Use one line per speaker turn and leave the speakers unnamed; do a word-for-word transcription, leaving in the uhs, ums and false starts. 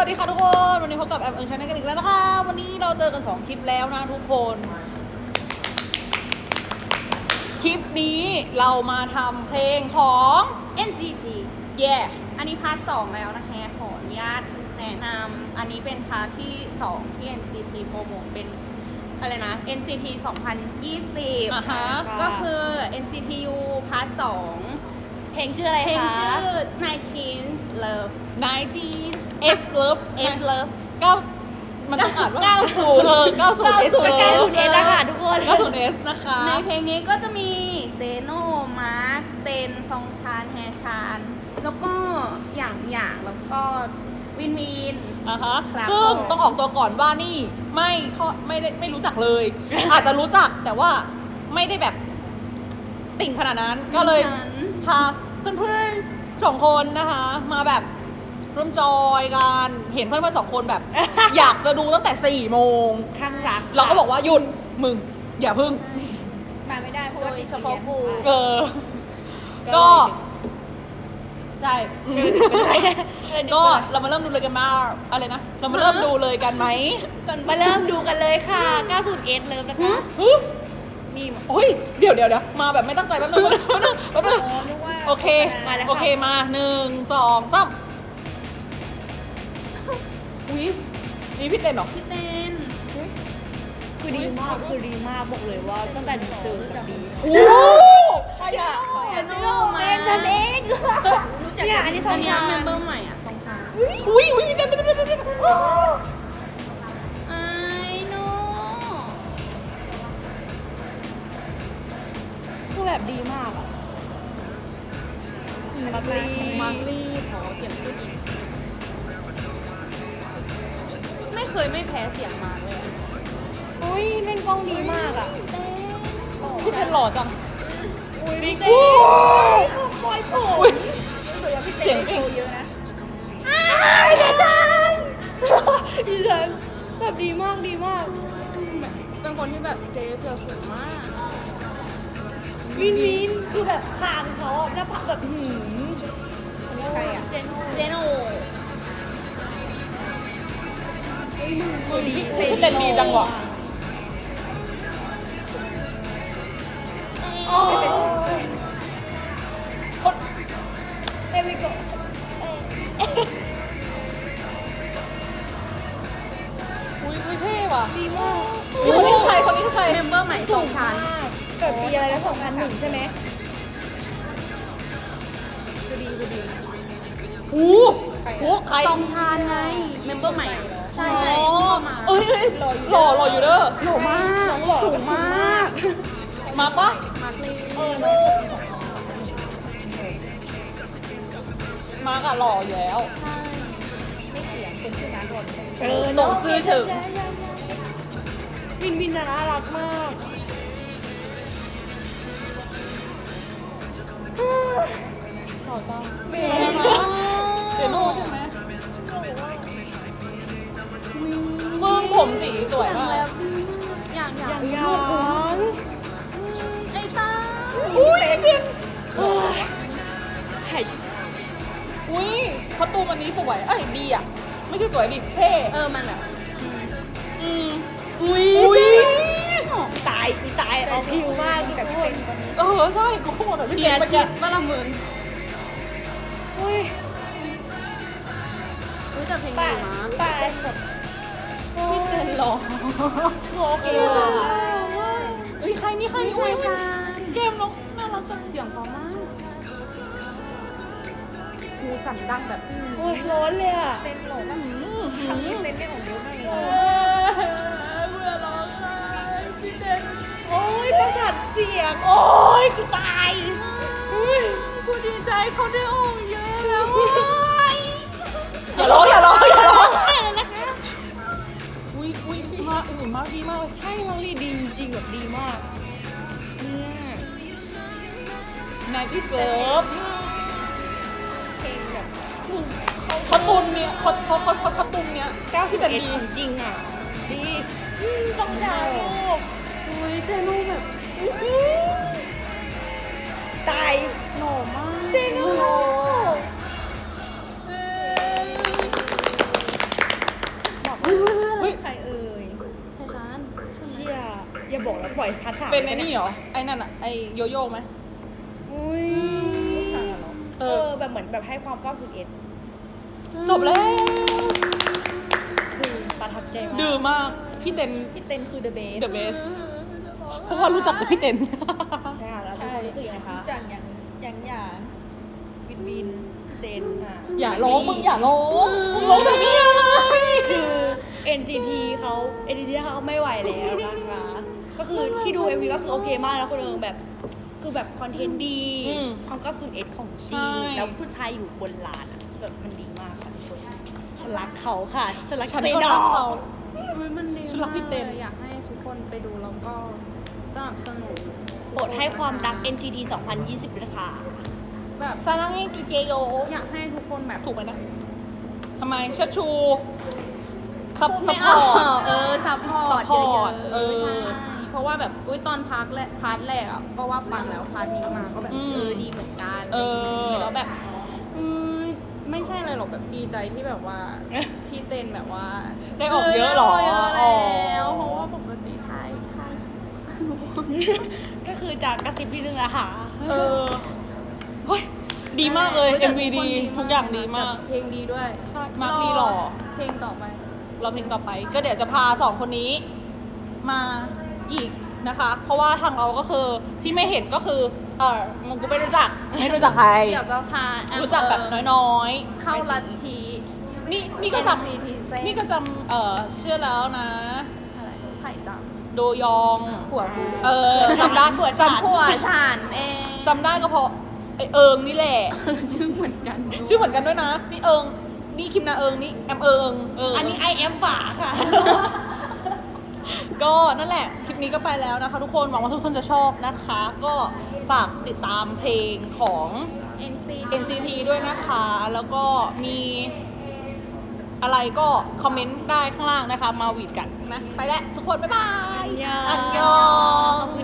วัสดีค่ะทุกคนวันนี้พบกับแอมเอิงชาแนลกันอีกแล้วนะคะวันนี้เราเจอกันสองคลิปแล้วนะทุกคนคลิปนี้เรามาทำเพลงของ
เอ็น ซี ที
แย่
อันนี้พาร์ทสองแล้วนะคะขออนุญาตแนะนำอันนี้เป็นพาร์ทที่สองที่ เอ็น ซี ที โปรโมทเป็นอะไรนะ เอ็น ซี ที สองพันยี่สิบ
อ่ะฮะ
ก็คือ เอ็น ซี ที ยู พาร์ทสอง
เพลงชื่ออะไรคะ
เพลงชื่อ nineteens love
nineteen S Love
S love
เก้ามันต้องอ่านว่า
เก้าสิบ
เออเก้าสิบ S
เก้าสิบ
Love
เก้าสิบเอ็ดนะคะทุกคน
เก้าสิบ S นะคะ
ในเพลงนี้ก็จะมีเจโน่มาร์คเตนซองชานแฮชานแล้วก็อย่างอย่างแล้วก็วินวิน
อ่ะฮะ
ครับ
ซึ่ง
ผม
ต้องออกตัวก่อนว่านี่ไม่ข้อไม่ได้ไม่รู้จักเลย อาจจะรู้จักแต่ว่าไม่ได้แบบติ่งขนาดนั้นก็เลย
ฉัน
พาเพื่อนๆสองคนนะคะ มาแบบร่วมจอยกันเห็นเพื่อนๆสองคนแบบ อยากจะดูตั้งแต่สี่โมง
ข้างรัก
เราก็บอกว่าหยุดมึง อย่าพึ่ง
มาไม่ได้เพราะว่า
โดย
ติด
เฉพาะกู
เออ ก็ ใช่อืมก็เรามาเริ่มดูเลยกันมาอะไรนะ เรามาเริ่มดูเลยกันไหม
มาเริ่มดูกันเลยค่ะ เก้าสิบเอ็ด เริ่มนะคะ
ฮึ
นี่มา
โอ้ยเดี๋ยวเดี๋ยวเดี๋ยวมาแบบไม่ตั้งใจแป๊บนึงแป๊บนึงแป๊บนึง
อ๋อนึกว่า
โอเค
มาแล้วค่ะ
โอเคมาหนึ่งสองสามอุ้ยนี่พี่เต้นเหรอ
พี่เต้น
คือดีมากคือดีมากบอกเลยว่าตั้งแต่ดีเซอร์แบบดี
โอ้ใครอ่ะ
เจโน่มา
เป็นฉันเองเนี่ยอันนี้ส
อั
อน ง
นี้
ยา
เม
น
มเบอร์ใหม่อ่ะสองทาง
อุ้ยอุ้ยพี่เต้นพี่เต้นพี่เต้นพี่เต้น
ไอ้โน่
คือแบบดีมากอ่ะมาร์คลี
มาร์ลี่ขอเสียงพูดอีกไม่เคยไม่แพ้เสียงมาร์คเลยอะ
อุ้ยเล่นกล้องดีมากอ่ะ
พี่เต้นหล่อจัง
อุ้ย
พี่
พี่
เต้
เต้
น
ปล่อยผม
อุ้ย
รู้สึกว่าพี่
เสี
เต้
ยง
โชว์เยอะนะ
อ้ายเดี๋ยวฉัน
ดิฉันแบบดีมากดีมาก
เป็นคนที่แบบเซฟเราสูงมาก
วินวินคือแบบคางเขาอะหน้าผากแบบหืมใครอ่ะเจน
เจโน่
อุ้ยพี่พี่เต้นดีจังวะ
โอ้ย
คน
เอวิโก
อุ้ยอุ้ยเท่ว่ะ
ดีมาก
อุ้ยคนนี้คือใครคนนี้คือใคร
เมมเบอร์ใหม่สองชั้น
เกิดปีอะไรนะสองพันหนึ่งใช่ไหมคือดีคือดี
อู้หูใคร
สองชั้นไงเมมเบอร์ใหม่ใช่
อ๋
ใช่
อ
เข้ามา
เอ้ยเอ้ยหล่อหล่ออยู่เด้อ
หล่อมากสูงมาก
มาปะ
มาร์คลี
เออน้อง
มาร์กอะหล่ออยู่แล้ว
ไม่เสียงคนชื่อนั้นหล่นเออ
ตกซื้อเฉิง
วินวินน่ารักมาก
หล่อจัง
แม่
เจโน่ใช่ไหมมึงผมสีสวยมาก
อย่างอย่าง
อย่างยัง
ไอ้ต้า
อุ้ยเพียน
โอ้ยไข่
อุ้ยคอสตูมอันนี้สวย เอ้ยดีอ่ะ ไม่ใช่สวยดิเท่
เออมันแบบ
อืม
อุ้ย
อุ้ย
ตายอีตายเอาผิวมากแบบเป็น
เออใช่กูโคตรแบบพี่
เกี
เจ
ย
น
ร์
เมื่อ
จิ
กี้
ตว่าละหมื่น
อุ้ย
รู้จักเพลง
ตา
นี้
ย
นะ
ตายแบบ
พี่เจนหล่อ
โอเค
เอ้ยใครนี่ใครนี่อุ้ยเกมน้องน่ารักจัง
เสียงเพราะมากหูสั่นดังแบบ
โอ้ยร้อนเลยอ่ะ
เต้นหลง
อืม
ครั้งนี้เต้นได้ของเยอะมากเล
เอย อเบื่อร้องไห้พี่เจน
โอ้ยประสาทเสียง โอ้ยกูตาย
กูดีใจเขาได้ออกเยอะแล้ว
อย่าร้องอย่าร้องอย่าร้อง
ตายแล้วนะคะ
อุ้ยอุ้ยมาอุ้ยมาดีมากเลย
ใช่น้องลีดีจริงๆแบบดีมากเนี่ย
นายที่เซิร์ฟ
เพลงแบบ
เขาตุนเนี่ยเขาเขาเขาเขาเขาตุนเนี่ย
เก้าสิ
ที่
บ
เป็น
เอ็ด
ดี
จริงๆอ่ะ ดีอืมต้องดาวลูก
อุ้ยเจนูแบบ
ตาย
หล่อมาก
เจนู
เออ
ปล่อยพาร์ทสาม
เป็นไอ้นี่เหรอ ไอ้นั่นอะไอ้โยโย่ไหม
อุ้ย
เอ
เอ
อ
อแบบเหมือนแบบให้ความเก้าสิบเอ็ด
จบแล้ว
คือประทับใจมาก
ดื้อมาก พี่เต็น
พี่เต้นคือ the best
the best เพราะว่ารู้จักแต่พี่เต็น
ใช่ค่ะแล้วทุกคนรู้สึกยังไงคะ
จากอย่างอย่างอย่างวินวินเต้นอ่ะ
อย่าร้องมึงอย่าร้องมึงร้องแบบนี้อะไร
คือ เอ็น ซี ที เขา เอ็น ซี ที เขาไม่ไหวแล้วนะคะ ก็คือที่ดู เอ็ม วี ก็คือโอเคมากแล้วคนเอิงแบบ คือแบบคอนเทนต์ดี
อืม
ความเก้าสิบเอ็ดของจ
ใช่
ริงแล้วผู้ชายอยู่บนลานอ่ะแบบมันดีมากค่ะทุกคนฉันรักเขาค่ะฉันรัก
ฉัน
เจ
ก็
ด
รั
อก ก
เขา
อุ๊ยมันดี
ฉันรักพี่เต้น
มากลยอยากให้ทุกคนไปดูแล้วก็สนับสนุน
โปรดให้ความรัก เอ็น ซี ที สองพันยี่สิบด้วยค่ะ
แบบ
ซาลังให้จูเจโย
อยากให้ทุกคนแบบ
ถูกไหมนะทำไมเชิดชูซับ
พูด
ซั
ไม่
พ
อ
พ
อ
อร์ต
กเออซัพพอร์ต
support
เยอะๆ
เออ
ใช่เพราะว่าแบบอุ้ยตอนพักและพาร์ทแรกอ่ะก็ว่าปังแล้วพาร์ทนี้มาก็แบบ
อืม
เออดีเหมือนกัน
เออ
แล้วแบบอืมไม่ใช่อะไรหรอกแบบดีใจที่แบบว่า พี่เต้นแบบว่า
ได้ออกเยอะเหรอ
ได้กเยอะแล้วเพราะว่าปกติใครใคร
ก็คือจากกระซิบนิดนึงนะคะ
เออเฮ้ยดีมากเลย
แต่
เอ็ม วี
ทุ
ดี
คน
ทุกอย่างดีมาก
เพลงดีด้วย
ใช่มาร์คดีหล่อ
เพลงต่อไป
เราเพลงต่อไป ก็เดี๋ยวจะพาสองคนนี้มาอีกนะคะ เพราะว่าทางเราก็คือที่ไม่เห็นก็คือ เออมึงกูไม่รู้จัก ไม่รู้จักใคร
เดี๋ยวจะพาแอม
รู้จักแบบน้อย
เข้าลัทธิ
ๆ นี่นี่ก็จ
เอ็น ซี ที เส้น
ำนี่ก็จำเออเชื่อแล้วนะ
อะไรไผ่จัง
โดยอง
ผัวกู
เออจำได้
จำผัวฉันเอง
จำได้ก็เพราะไอเอิงนี่แหละ
ชื่อเหมือนกัน
ชื่อเหมือนกันด้วยนะ นี่เอิง นี่คิมนาเอิง นี่แอมเอิงเออ
อั
อั
นนี้ I am ฝาค่ะ
ก็นั่นแหละ คลิปนี้ก็ไปแล้วนะคะทุกคน หวังว่าทุกคนจะชอบนะคะ ก็ฝากติดตามเพลงของ
เอ็น ซี
เอ็น ซี ที ด้วยนะคะ แล้วก็มีอะไรก็คอมเมนต์ได้ข้างล่างนะคะ มาหวีดกันนะ ไปแล้วทุกคน บ๊ายบาย
อันยอง
อันยอง